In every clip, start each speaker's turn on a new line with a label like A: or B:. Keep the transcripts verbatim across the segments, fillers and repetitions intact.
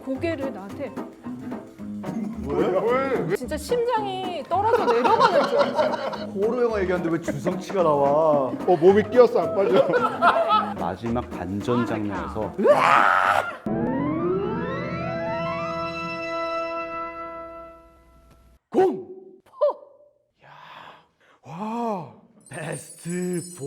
A: 고개를 나한테
B: 왜? 왜? 왜?
A: 진짜 심장이 떨어져 내려가는 줄 알았어.
C: 호러 영화 얘기하는데 왜 주성치가 나와?
B: 어 몸이 끼었어 안 빠져.
C: 마지막 반전 장면에서 공!
B: 와.
C: 베스트 사.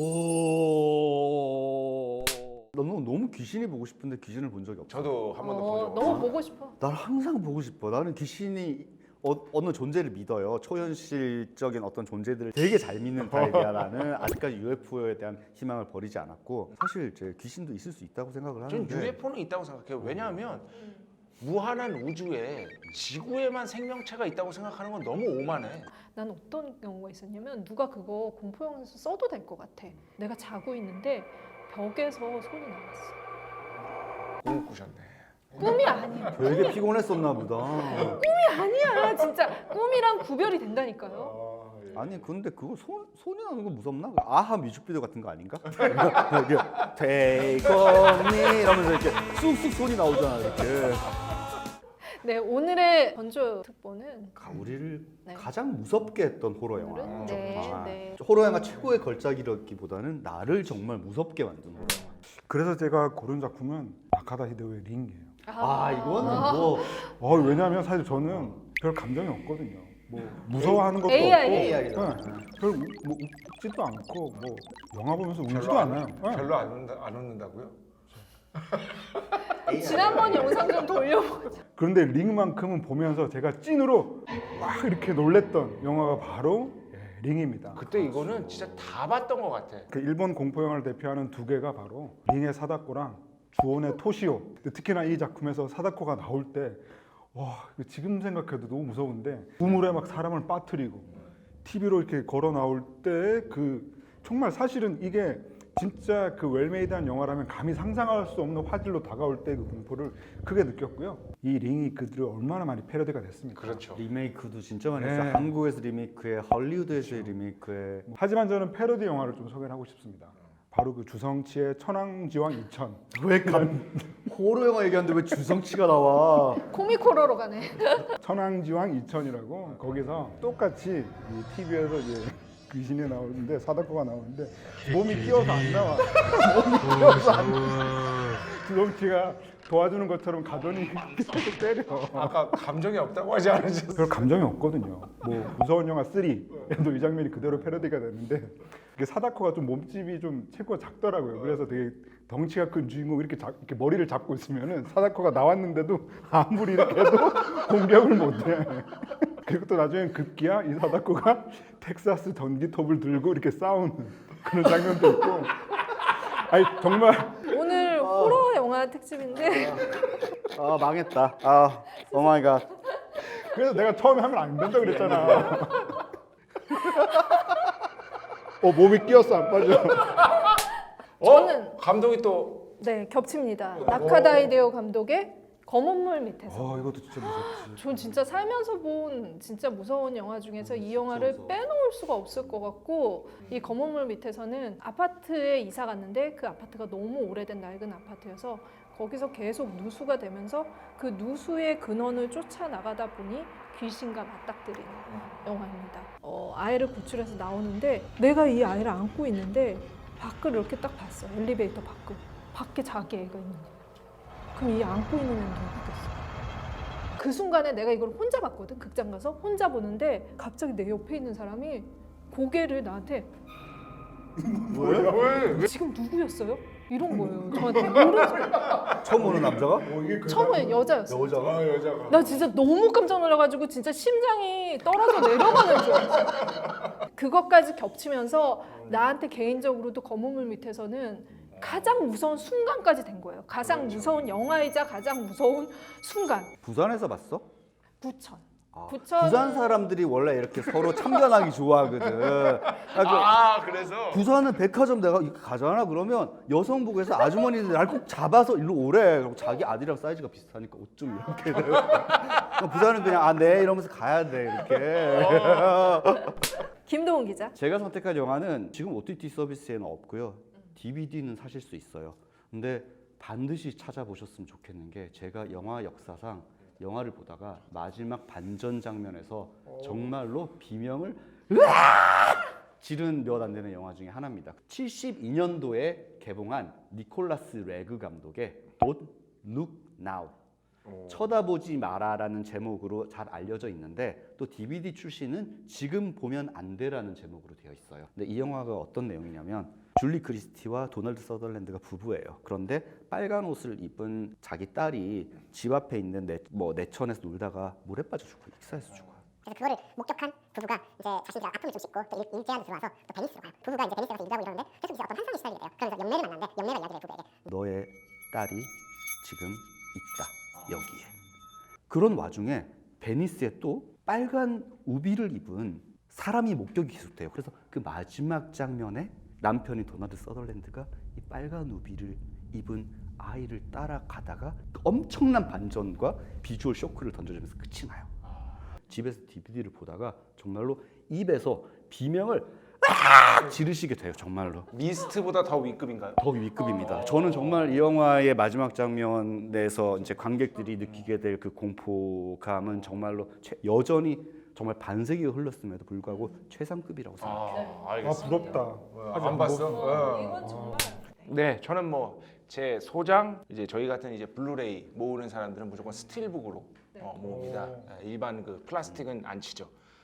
C: 너무 너무 귀신이 보고 싶은데 귀신을 본 적이 없어.
B: 저도 한 번도 본
A: 어,
B: 적 없어.
A: 너무 보고 싶어.
C: 난 항상 보고 싶어. 나는 귀신이 어, 어느 존재를 믿어요. 초현실적인 어떤 존재들을 되게 잘 믿는 타입이야. 나는 아직까지 유에프오에 대한 희망을 버리지 않았고, 사실 제 귀신도 있을 수 있다고 생각을
D: 전
C: 하는데
D: 유에프오는 있다고 생각해요. 왜냐하면 무한한 우주에 지구에만 생명체가 있다고 생각하는 건 너무 오만해.
A: 난 어떤 경우가 있었냐면 누가 그거 공포 영화에서 써도 될 것 같아. 내가 자고 있는데 벽에서 손이 나왔어.
D: 꿈을 꾸셨네.
A: 꿈이 아니야.
C: 되게 피곤했었나 보다.
A: 꿈이 아니야. 진짜 꿈이랑 구별이 된다니까요.
B: 아, 예.
C: 아니 근데 그거 손, 손이 나는 거 무섭나? 아하 뮤직비디오 같은 거 아닌가? 이렇게 Take on me 이러면서 이렇게 쑥쑥 손이 나오잖아 이렇게.
A: 네, 오늘의 전조 특보는
C: 우리를
A: 네.
C: 가장 무섭게 했던 호러 영화.
A: 오늘은 네,
C: 정말.
A: 네.
C: 호러 영화 최고의 걸작이라기보다는 나를 정말 무섭게 만든 호러 영화.
B: 그래서 제가 고른 작품은 나카다 히데오의 링이에요.
C: 아 이거는 뭐
B: 어 왜냐하면 사실 저는 별 감정이 없거든요. 뭐 무서워하는 것도
A: 에이아이.
B: 없고,
C: 에이아이잖아.
B: 네. 별 우- 뭐 웃지도 않고 뭐 영화 보면서 울지도
D: 별로 안,
B: 않아요. 네.
D: 별로 안, 웃는다, 안 웃는다고요?
A: 지난번 영상 좀 돌려보자.
B: 그런데 링만큼은 보면서 제가 찐으로 막 이렇게 놀랬던 영화가 바로 예, 링입니다.
D: 그때 이거는 진짜 다 봤던 것 같아.
B: 그 일본 공포 영화를 대표하는 두 개가 바로 링의 사다코랑 주온의 토시오. 근데 특히나 이 작품에서 사다코가 나올 때 와, 이거 지금 생각해도 너무 무서운데 우물에 막 사람을 빠뜨리고 티비로 이렇게 걸어 나올 때 그 정말 사실은 이게 진짜 그 웰메이드한 영화라면 감히 상상할 수 없는 화질로 다가올 때 그 공포를 크게 느꼈고요. 이 링이 그들을 얼마나 많이 패러디가 됐습니까?
D: 그렇죠.
C: 리메이크도 진짜 많이
B: 네.
C: 했어요. 한국에서 리메이크해, 할리우드에서의 리메이크해.
B: 하지만 저는 패러디 영화를 좀 소개를 하고 싶습니다. 바로 그 주성치의 천왕지왕 이천.
C: 왜 감? 호러 영화 얘기하는데 왜 주성치가 나와?
A: 코미코러로 가네.
B: 천왕지왕 이천이라고 거기서 똑같이 이 티비에서 이제 귀신이 나오는데 사다코가 나오는데 몸이 끼어서 안 나와. 몸이 끼어서 안 나와. 주성치가 도와주는 것처럼 가더니 계속 때려.
D: 아까 감정이 없다고 하지 않으셨어요?
B: 별 감정이 없거든요. 뭐 무서운 영화 쓰리에도 이 장면이 그대로 패러디가 됐는데 이게 사다코가 좀 몸집이 좀 체구가 작더라고요. 그래서 되게 덩치가 큰 주인공이 이렇게, 잡, 이렇게 머리를 잡고 있으면은 사다코가 나왔는데도 아무리 이렇게 해도 공격을 못해. 그리고 또 나중엔 급기야 이 사다코가 텍사스 전기톱을 들고 이렇게 싸우는 그런 장면도 있고. 아니 정말
A: 오늘 호러 영화 특집인데
C: 아 망했다. 아 오마이갓.
B: 그래서 내가 처음에 하면 안 된다 그랬잖아. 어 몸이 끼었어 안 빠져.
A: 저는
D: 감독이 또
A: 네 겹칩니다. 나카다이데오 감독의 검은 물 밑에서.
B: 어 이것도 진짜 무섭지.
A: 전 진짜 살면서 본 진짜 무서운 영화 중에서 이 영화를 빼놓을 수가 없을 것 같고, 이 검은 물 밑에서는 아파트에 이사 갔는데 그 아파트가 너무 오래된 낡은 아파트여서 거기서 계속 누수가 되면서 그 누수의 근원을 쫓아나가다 보니 귀신과 맞닥뜨리는 영화입니다. 어, 아이를 구출해서 나오는데 내가 이 아이를 안고 있는데 밖을 이렇게 딱 봤어. 엘리베이터 밖을. 밖에 자기 애가 있는 거야. 그럼 이 안고 있는 애는 누구겠어? 그 순간에 내가 이걸 혼자 봤거든. 극장 가서 혼자 보는데 갑자기 내 옆에 있는 사람이 고개를 나한테
B: 왜? 왜?
A: 지금 누구였어요? 이런 거예요. 저한테 모르죠.
C: 처음 보는 남자가?
B: 어, 이게 그
A: 처음에 여자였어.
C: 여자가?
B: 아 여자가.
A: 나 진짜 너무 깜짝 놀라가지고 진짜 심장이 떨어져 내려가는 줄 알았어. 그것까지 겹치면서 나한테 개인적으로도 검은 물 밑에서는 가장 무서운 순간까지 된 거예요. 가장 무서운 영화이자 가장 무서운 순간.
C: 부산에서 봤어?
A: 부천.
C: 아,
A: 부천.
C: 부산 사람들이 원래 이렇게 서로 참견하기 좋아하거든. 그래서
D: 아 그래서
C: 부산은 백화점 내가 이렇게 가잖아. 그러면 여성복에서 아주머니들 날 꼭 잡아서 일로 오래. 그리고 자기 아들이랑 사이즈가 비슷하니까 옷 좀 이렇게. 그럼 부산은 그냥 아 네 이러면서 가야 돼 이렇게.
A: 김도훈 기자.
C: 제가 선택한 영화는 지금 오티티 서비스에는 없고요. 디비디는 사실 수 있어요. 근데 반드시 찾아보셨으면 좋겠는 게 제가 영화 역사상 영화를 보다가 마지막 반전 장면에서 정말로 비명을 으악! 지른 몇 안 되는 영화 중에 하나입니다. 칠십이 년도에 개봉한 니콜라스 레그 감독의 Don't Look Now 쳐다보지 마라라는 제목으로 잘 알려져 있는데 또 디비디 출시는 지금 보면 안 돼라는 제목으로 되어 있어요. 근데 이 영화가 어떤 내용이냐면 줄리 크리스티와 도널드 서덜랜드가 부부예요. 그런데 빨간 옷을 입은 자기 딸이 집 앞에 있는 내, 뭐 내천에서 놀다가 물에 빠져 죽고 익사해서 죽어요.
E: 그래서 그거를 목격한 부부가 이제 자신들이 아픔을 좀 씻고 또 일- 일제한테 들어와서 또 베니스로 가요. 부부가 이제 베니스 가서 일하고 이러는데 계속 이제 어떤 환상이 시달리게 돼요. 그러면서 연매를 만났는데 연매가 이야기를 해요, 부부에게.
C: 너의 딸이 지금 있다 여기에. 그런 와중에 베니스에 또 빨간 우비를 입은 사람이 목격이 계속돼요. 그래서 그 마지막 장면에 남편이 도널드 서덜랜드가 이 빨간 우비를 입은 아이를 따라가다가 엄청난 반전과 비주얼 쇼크를 던져주면서 끝이 나요. 집에서 디비디를 보다가 정말로 입에서 비명을 아! 지르시게 돼요. 정말로.
D: 미스트보다 더 위급인가요?
C: 더 위급입니다. 저는 정말 이 영화의 마지막 장면에서 이제 관객들이 느끼게 될 그 공포감은 정말로 최, 여전히 정말 반세기가 흘렀음에도 불구하고 최상급이라고 생각해요.
D: 아,
B: 아
D: 알겠습니다.
B: 부럽다. 아직
D: 안 봤어? 어.
A: 이건 정말
D: 네, 저는 뭐 제 소장 이제 저희 같은 이제 블루레이 모으는 사람들은 무조건 스틸북으로 어, 모읍니다. 예, 일반 그 플라스틱은 안 치죠.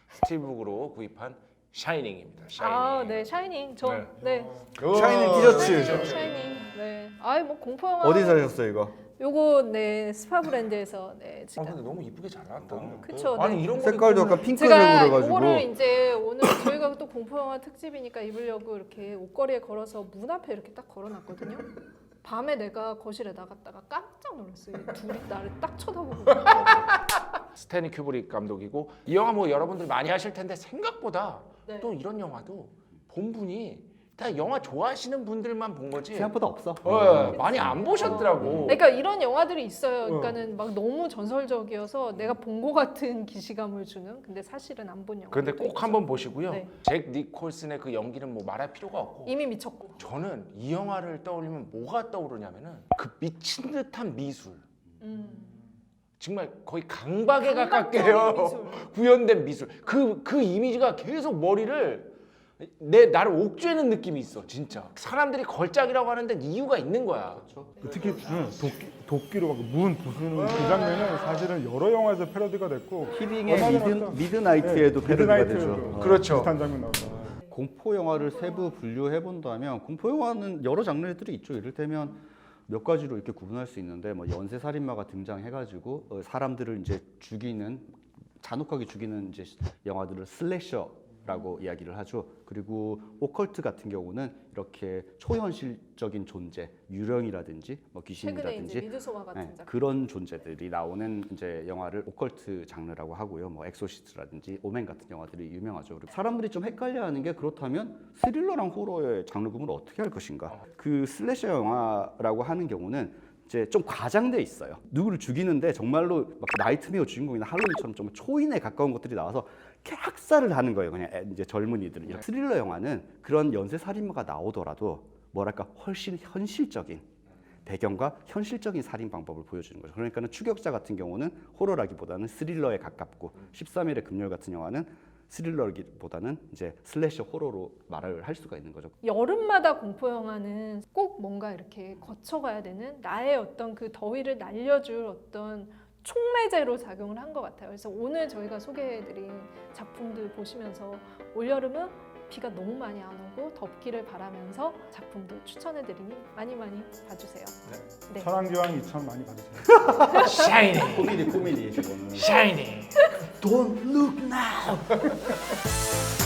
D: 스틸북으로 구입한 샤이닝입니다. 샤이닝.
A: 아, 네, 샤이닝. 전 네.
C: 샤이닝 티셔츠.
A: 네, 샤이닝. 네. 아이 뭐 공포 영화.
C: 어디 사셨어요 이거?
A: 요거 네 스파 브랜드에서 네
D: 아,
A: 지금.
D: 근데 너무 이쁘게 잘 나왔다.
A: 그쵸,
D: 아니
A: 네.
D: 이런 거
C: 색깔도
D: 입으면
C: 약간 핑크색으로
A: 제가
C: 해가지고.
A: 이거를 이제 오늘 저희가 또 공포 영화 특집이니까 입으려고 이렇게 옷걸이에 걸어서 문 앞에 이렇게 딱 걸어놨거든요. 밤에 내가 거실에 나갔다가 깜짝 놀랐어요. 둘이 나를 딱 쳐다보고 있더라고요.
D: 스탠리 큐브릭 감독이고 이 영화 뭐 여러분들 많이 하실 텐데 생각보다
A: 네.
D: 또 이런 영화도 본 분이 다 영화 좋아하시는 분들만 본 거지.
C: 생각보다 없어.
D: 어, 많이 안 보셨더라고.
A: 그러니까 이런 영화들이 있어요. 그러니까는 막 너무 전설적이어서 내가 본 것 같은 기시감을 주는. 근데 사실은 안 본 영화.
D: 그런데 꼭 한번 보시고요.
A: 네.
D: 잭 니콜슨의 그 연기는 뭐 말할 필요가 없고.
A: 이미 미쳤고.
D: 저는 이 영화를 떠올리면 뭐가 떠오르냐면은 그 미친 듯한 미술.
A: 음.
D: 정말 거의 강박에 가깝게
A: 강박적인
D: 해요.
A: 미술.
D: 구현된 미술. 그, 그 이미지가 계속 머리를 내 나를 옥죄는 느낌이 있어, 진짜. 사람들이 걸작이라고 하는데 이유가 있는 거야.
B: 특히 응, 도끼, 도끼로 막 문 부수는 그 장면은 사실은 여러 영화에서 패러디가 됐고
C: 히딩의
B: 얼마 전에
C: 미드,
B: 어떤-
C: 미드나이트에도
B: 네,
C: 패러디가
B: 미드나이트에도
C: 되죠. 어.
D: 그렇죠.
B: 비슷한 장면 나오죠.
C: 공포 영화를 세부 분류해 본다면 공포 영화는 여러 장르들이 있죠. 이를테면 몇 가지로 이렇게 구분할 수 있는데 뭐 연쇄 살인마가 등장해가지고 어, 사람들을 이제 죽이는 잔혹하게 죽이는 이제 영화들을 슬래셔라고 이야기를 하죠. 그리고 오컬트 같은 경우는 이렇게 초현실적인 존재, 유령이라든지 뭐
A: 최근에
C: 귀신이라든지
A: 이제 미드소마 같은
C: 네,
A: 작품.
C: 그런 존재들이 나오는 이제 영화를 오컬트 장르라고 하고요. 뭐 엑소시스트라든지 오멘 같은 영화들이 유명하죠. 그리고 사람들이 좀 헷갈려하는 게 그렇다면 스릴러랑 호러의 장르 구분을 어떻게 할 것인가? 그 슬래셔 영화라고 하는 경우는 이제 좀 과장돼 있어요. 누구를 죽이는데 정말로 막 나이트메어 주인공이나 할로윈처럼 좀 초인에 가까운 것들이 나와서 이렇게 학살을 하는 거예요. 그냥 애- 이제 젊은이들은. 이런 스릴러 영화는 그런 연쇄 살인마가 나오더라도 뭐랄까 훨씬 현실적인 배경과 현실적인 살인 방법을 보여주는 거죠. 그러니까는 추격자 같은 경우는 호러라기보다는 스릴러에 가깝고 십삼 일의 금요일 같은 영화는 스릴러기보다는 이제 슬래셔 호러로 말을 할 수가 있는 거죠.
A: 여름마다 공포 영화는 꼭 뭔가 이렇게 거쳐가야 되는 나의 어떤 그 더위를 날려줄 어떤 촉매제로 작용을 한 것 같아요. 그래서 오늘 저희가 소개해드린 작품들 보시면서 올여름은 비가 너무 많이 안 오고 덥기를 바라면서 작품들 추천해드리니 많이 많이 봐주세요. 네.
B: 천왕기왕 이천 많이 봐주세요.
D: 샤이닝.
C: 코미디 코미디 이거는.
D: 샤이닝.
C: Don't look now.